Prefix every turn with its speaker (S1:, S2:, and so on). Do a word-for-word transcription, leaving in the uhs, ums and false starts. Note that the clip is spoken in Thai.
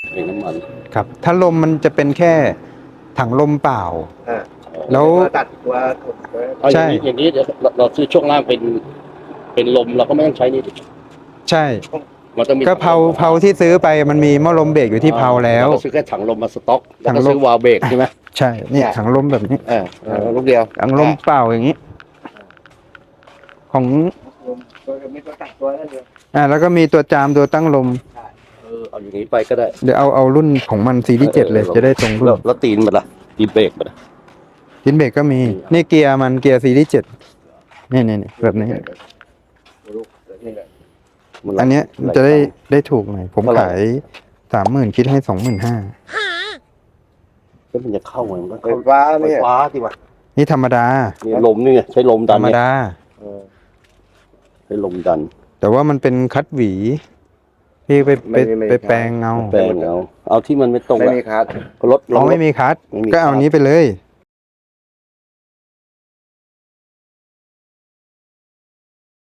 S1: เบรกน้ำมัน
S2: ครับถ้าลมมันจะเป็นแค่ถังลมเปล่าแล้ว
S3: ตัดตัวถุง
S1: เอาอย่างนี้อย่างนี้เดี๋ยวเราซื้อช่วงล่างเป็นเป็นลมเราก็ไม่ต้องใช้นี่
S2: ใช่
S1: มันต้องมี
S2: ก็เพาเพาที่ซื้อไปมันมีหม้อลมเบรกอยู่ที่เพาแล้ว
S1: เราก็ซื้อแค่ถังลมมาสต็อกแล้วก็
S2: ถังลม
S1: ซื้อวาล์วเบรกใช่ไหม
S2: ใช่เนี่ยถังลมแบบนี้
S1: เออลูกเดียว
S2: ถังลมเปล่าอย่างนี้ของ
S3: มีตัวตัดตัวนั่นเอง
S2: อ่าแล้วก็มีตัวจามตัวตั้งลม
S1: เออเอาอย่างนี้ไปก็ได้
S2: เดี๋ยวเอาเอารุ่นของมันซีรีส์เจ็ดเลยจะได้ตรงรุ่
S1: แล้ว
S2: น
S1: แล้วตีนมันล่ะตีนเบรกมันล่ะ
S2: ดินเบรกก็มีนี่เกียร์มันเกียร์ซีรีส์เจ็ดนี่นี่นี่แบบนี้ อันเนี้ยมันจะได้ได้ถูกหน่อยผมขายสามหมื่นคิดให้สองหมื่นห้า
S1: ก็มันจะเข้าเหมือนมัน
S3: ไฟฟ้า
S1: ไฟ
S3: เนี่ย
S1: ฟ้าที่ว่า
S2: นี่ธรรมดา
S1: นี่ลมนี่ไงใช้ลม
S2: ธ
S1: ดั
S2: ร
S1: น
S2: รม
S1: เนี่ย
S2: ดา
S1: เออใช้ลมดัน
S2: แต่ว่ามันเป็นคัดหวีพี่ไปไปไปแปลงเอา
S1: แปลงเอาเอาที่มันไม่ตรง
S3: ไม่มีคัส
S1: รถ
S2: เราไม่มีคัดก็เอานี้ไปเลย